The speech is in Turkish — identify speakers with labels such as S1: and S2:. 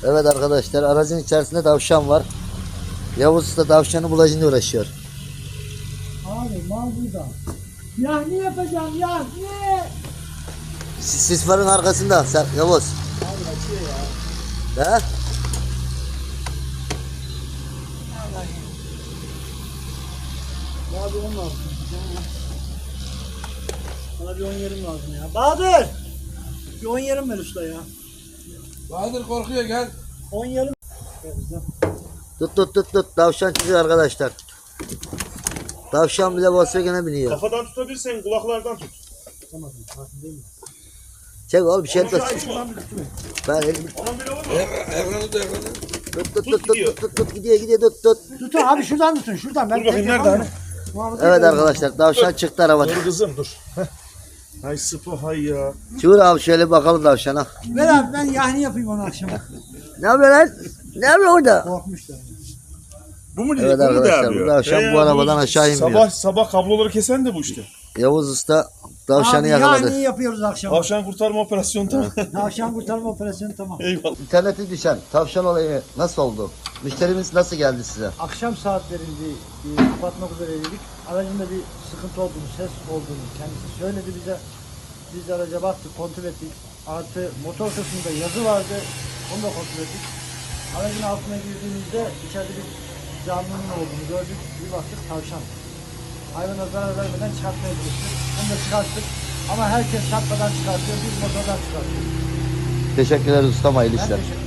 S1: Evet arkadaşlar, aracın içerisinde tavşan var. Yavuz Usta tavşanı bulacağına uğraşıyor.
S2: Abi mal burada. Yahni yapacağım yahni.
S1: Sis farın arkasında sen Yavuz.
S2: Abi açıyor ya.
S1: He?
S2: Abi 10 lazım. Bana bir 10 yerim lazım ya. Bahadır! Bir 10 yerim ver usta ya.
S3: Bahadır korkuyor gel.
S2: 10 yerim. Ver bize.
S1: Tut. Tavşan çıkıyor arkadaşlar. Tavşan bile Volkswagen'e biniyor.
S4: Kafadan tutabilirsen kulaklardan tut.
S2: Tutamadım. Farkındayım ya.
S1: Çek oğlum bir şey etmez.
S2: Şuradan bir tutayım.
S1: Ben elim.
S4: Onun bile olur mu?
S3: Evranı da evranı.
S1: Tut gidiyor tut.
S2: Tutun abi şuradan tutun şuradan. Ben
S4: Dur bakayım,
S2: tek
S4: nerede
S2: yapamam.
S4: hani?
S2: Muhafaza
S1: Evet
S2: ediyorum.
S1: arkadaşlar, tavşan çıktı arabadan.
S4: Dur kızım dur. Heh. Hay sıpı hay ya.
S1: Çığır abi şöyle bakalım tavşana.
S2: Ver abi ben yahni yapayım onu akşama.
S1: Ne yapıyor lan? Ne yapıyor orada?
S2: Korkmuşlar.
S4: Bu mu
S1: Evet arkadaşlar, bu tavşan bu arabadan aşağı inmiyor.
S4: Sabah kabloları kesen de bu işte.
S1: Yavuz Usta tavşanı
S2: Abi
S1: yakaladı.
S2: yahni yapıyoruz akşama.
S4: Tavşan kurtarma operasyonu tamam.
S2: Tavşan kurtarma operasyonu tamam.
S4: Eyvallah.
S1: İnternete düşen tavşan olayı nasıl oldu? Müşterimiz nasıl geldi size?
S2: Akşam saatlerinde kapatmak üzereydik. Aracında bir sıkıntı olduğunu, ses olduğunu kendisi söyledi bize. Biz de araca baktık, kontrol ettik. Artı motor kısmında yazı vardı, onu da kontrol ettik. Aracın altına girdiğimizde içeride bir canlının olduğunu gördük. Bir baktık tavşan. Hayvana zarar vermeden çıkartmaya çalıştık. Onu da çıkarttık. Ama herkes çarpmadan çıkartıyor, biz motordan çıkartıyoruz.
S1: Teşekkürler ustam, hayırlı
S2: Ben
S1: işler.
S2: teşekkür